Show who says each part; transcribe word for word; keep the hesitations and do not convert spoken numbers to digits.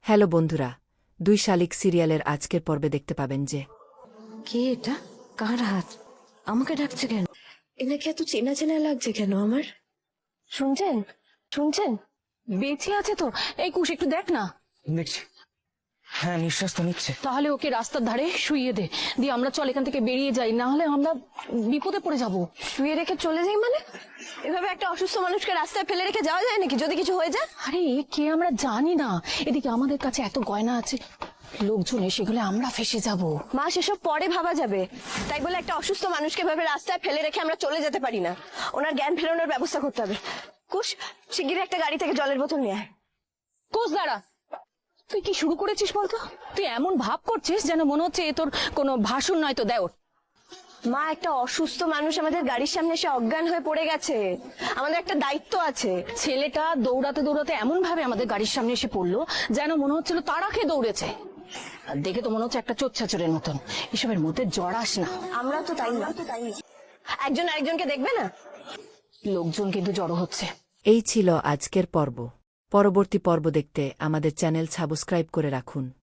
Speaker 1: Hello বন্ধুরা, দুই শালিক সিরিয়ালের আজকের পর্বে দেখতে পাবেন যে
Speaker 2: কে এটা? কার হাত? আমাকে ডাকছে কেন? এনাকে এত চেনা চেনা লাগছে কেন আমার? শুনছেন শুনছেন?
Speaker 3: বেঁচে আছে তো? এই কুশ একটু দেখ না।
Speaker 4: দেখছি। হ্যাঁ, নিঃশ্বাস তো নিচ্ছে।
Speaker 3: তাহলে ওকে রাস্তার ধারে শুইয়ে দে, দিয়ে আমরা চল এখান থেকে বেরিয়ে যাই, না হলে আমরা বিপদে পড়ে যাব।
Speaker 2: শুয়ে রেখে চলে যাই মানে? এভাবে একটা অসুস্থ মানুষকে রাস্তায় ফেলে রেখে যাওয়া যায় নাকি যদি কিছু হয়ে যায়?
Speaker 3: আরে এ কে আমরা জানি না, এদিকে আমাদের কাছে এত গয়না আছে, লোকজন এসে গেলে আমরা ফেসে যাব।
Speaker 2: মা, সেসব পরে ভাবা যাবে। তাই বলে একটা অসুস্থ মানুষকে ভাবে রাস্তায় ফেলে রেখে আমরা চলে যেতে পারি না। ওনার জ্ঞান ফেরানোর ব্যবস্থা করতে হবে। কুশ, শিগগিরই একটা গাড়ি থেকে জলের বোতল নিয়ে আয়।
Speaker 3: কোচ দাঁড়া, তুই কি শুরু করেছিস বলতো? তুই এমন ভাব করছিস যেন মনে হচ্ছে এ তোর কোনো ভাষণ নয় তো দেওর।
Speaker 2: মা, একটা অসুস্থ মানুষ আমাদের গাড়ির সামনে এসে অজ্ঞান হয়ে পড়ে গেছে। আমাদের একটা দায়িত্ব আছে।
Speaker 3: ছেলেটা দৌড়াতে দৌড়াতে এমন ভাবে আমাদের গাড়ির সামনে এসে পড়লো যেন মনে হচ্ছিল তারা খেয়ে দৌড়েছে। আর দেখে তো মনে হচ্ছে একটা চোচ্ছাচরের মতন। এসবের মধ্যে জড়াস না।
Speaker 2: আমরা তো তাই না, একজন আরেকজনকে দেখবে না।
Speaker 3: লোকজন কিন্তু জড়ো হচ্ছে।
Speaker 1: এই ছিল আজকের পর্ব। পরবর্তী পর্ব দেখতে আমাদের চ্যানেল সাবস্ক্রাইব করে রাখুন।